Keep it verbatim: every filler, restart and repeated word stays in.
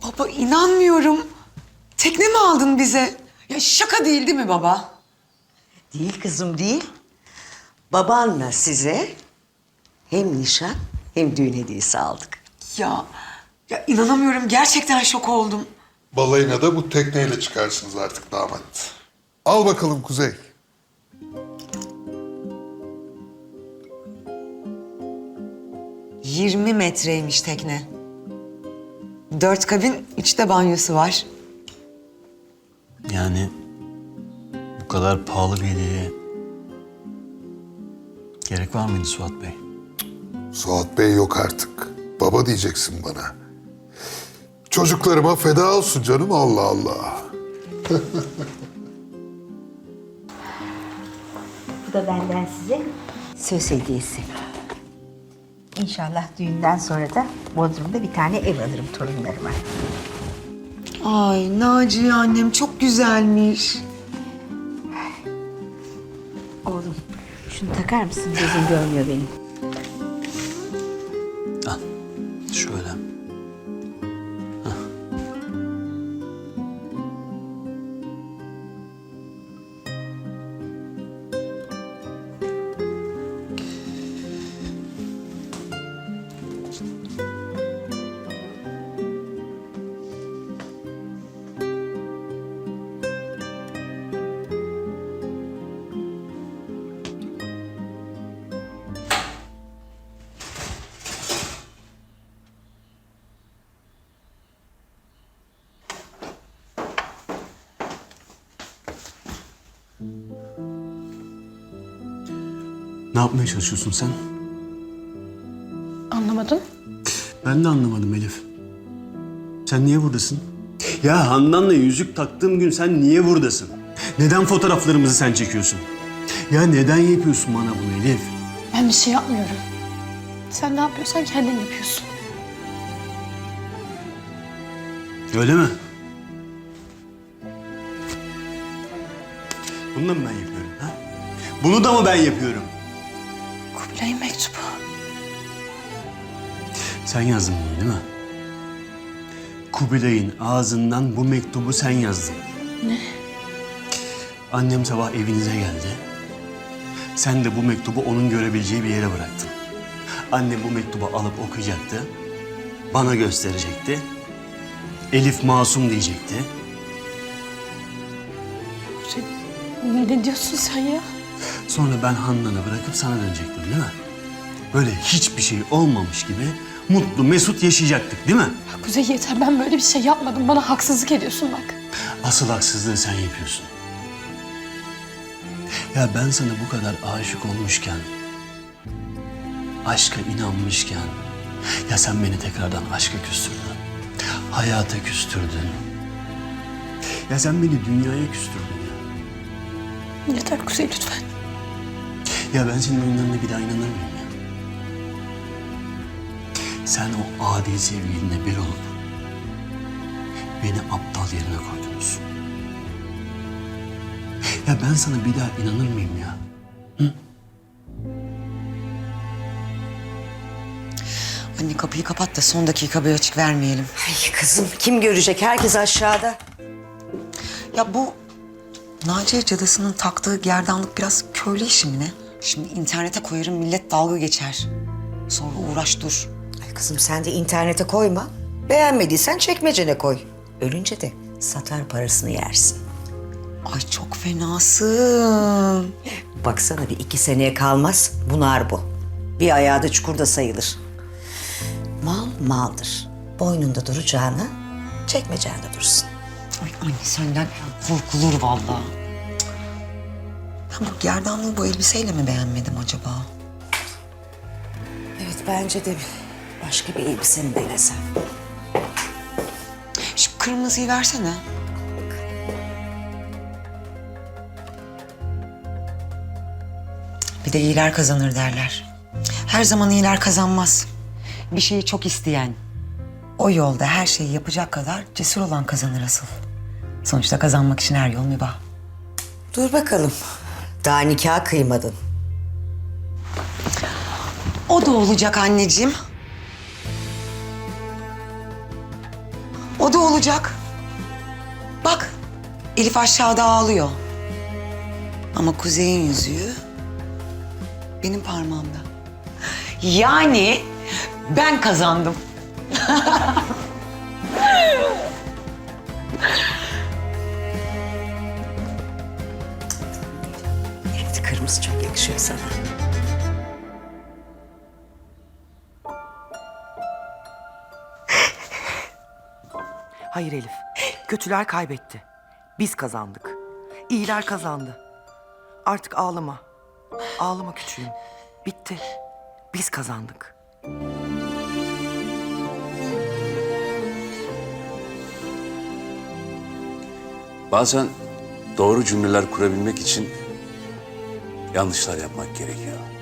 Baba inanmıyorum. Tekne mi aldın bize? Ya şaka değil değil mi baba? Değil kızım değil. Babanla size hem nişan hem düğün hediyesi aldık. Ya, ya inanamıyorum. Gerçekten şok oldum. Balayına da bu tekneyle çıkarsınız artık damat. Al bakalım Kuzey. yirmi metreymiş tekne. Dört kabin, üçte banyosu var. Yani bu kadar pahalı bir hediyeye gerek var mıydı Suat Bey? Suat Bey yok artık. Baba diyeceksin bana. Çocuklarıma feda olsun canım, Allah Allah. Bu da benden size söz hediyesi. İnşallah düğünden sonra da Bodrum'da bir tane ev alırım torunlarıma. Ay Naciye annem çok güzelmiş. Oğlum şunu takar mısın? Gözüm görmüyor benim. Al şöyle. Ne yapmaya çalışıyorsun sen? Anlamadım. Ben de anlamadım Elif. Sen niye buradasın? Ya Handan'la yüzük taktığım gün sen niye buradasın? Neden fotoğraflarımızı sen çekiyorsun? Ya neden yapıyorsun bana bunu Elif? Ben bir şey yapmıyorum. Sen ne yapıyorsan kendin yapıyorsun. Öyle mi? Bunu da mı ben yapıyorum ha? Bunu da mı ben yapıyorum? Kubilay'ın mektubu. Sen yazdın bunu değil mi? Kubilay'ın ağzından bu mektubu sen yazdın. Ne? Annem sabah evinize geldi. Sen de bu mektubu onun görebileceği bir yere bıraktın. Annem bu mektubu alıp okuyacaktı. Bana gösterecekti. Elif masum diyecekti. Sen, ne diyorsun sen ya? Sonra ben Handan'ı bırakıp sana dönecektim değil mi? Böyle hiçbir şey olmamış gibi mutlu mesut yaşayacaktık değil mi? Ya Kuzey yeter, ben böyle bir şey yapmadım. Bana haksızlık ediyorsun bak. Asıl haksızlığı sen yapıyorsun. Ya ben sana bu kadar aşık olmuşken, aşka inanmışken, ya sen beni tekrardan aşka küstürdün. Hayata küstürdün. Ya sen beni dünyaya küstürdün ya. Yeter Kuzey lütfen. Ya ben senin oyunlarına bir daha inanır mıyım ya? Sen o adi sevgilinle bir olup beni aptal yerine koydunuz. Ya ben sana bir daha inanır mıyım ya? Hı? Anne kapıyı kapat da son dakika bir açık vermeyelim. Ay kızım kim görecek? Herkes aşağıda. Ya bu Naciye cadısının taktığı gerdanlık biraz köylü işi mi ne? Şimdi internete koyarım, millet dalga geçer. Sonra uğraş dur. Ay kızım sen de internete koyma. Beğenmediysen çekmecene koy. Ölünce de satar parasını yersin. Ay çok fenasın. Baksana bir iki seneye kalmaz bunar bu. Bir ayağı da çukurda sayılır. Mal maldır. Boynunda duracağına çekmecende dursun. Ay anne senden korkulur vallahi. Ben bu gerdanlığı bu elbiseyle mi beğenmedim acaba? Evet bence de başka bir elbise mi denesem? Şu kırmızıyı versene. Bir de iyiler kazanır derler. Her zaman iyiler kazanmaz. Bir şeyi çok isteyen, o yolda her şeyi yapacak kadar cesur olan kazanır asıl. Sonuçta kazanmak için her yol mübah. Dur bakalım. Daha nikah kıymadın. O da olacak anneciğim. O da olacak. Bak, Elif aşağıda ağlıyor. Ama Kuzey'in yüzüğü benim parmağımda. Yani ben kazandım. Evet, kırmızı çok yakışıyor sana. Hayır Elif, kötüler kaybetti. Biz kazandık. İyiler kazandı. Artık ağlama. Ağlama küçüğüm. Bitti. Biz kazandık. Bazen doğru cümleler kurabilmek için yanlışlar yapmak gerekiyor.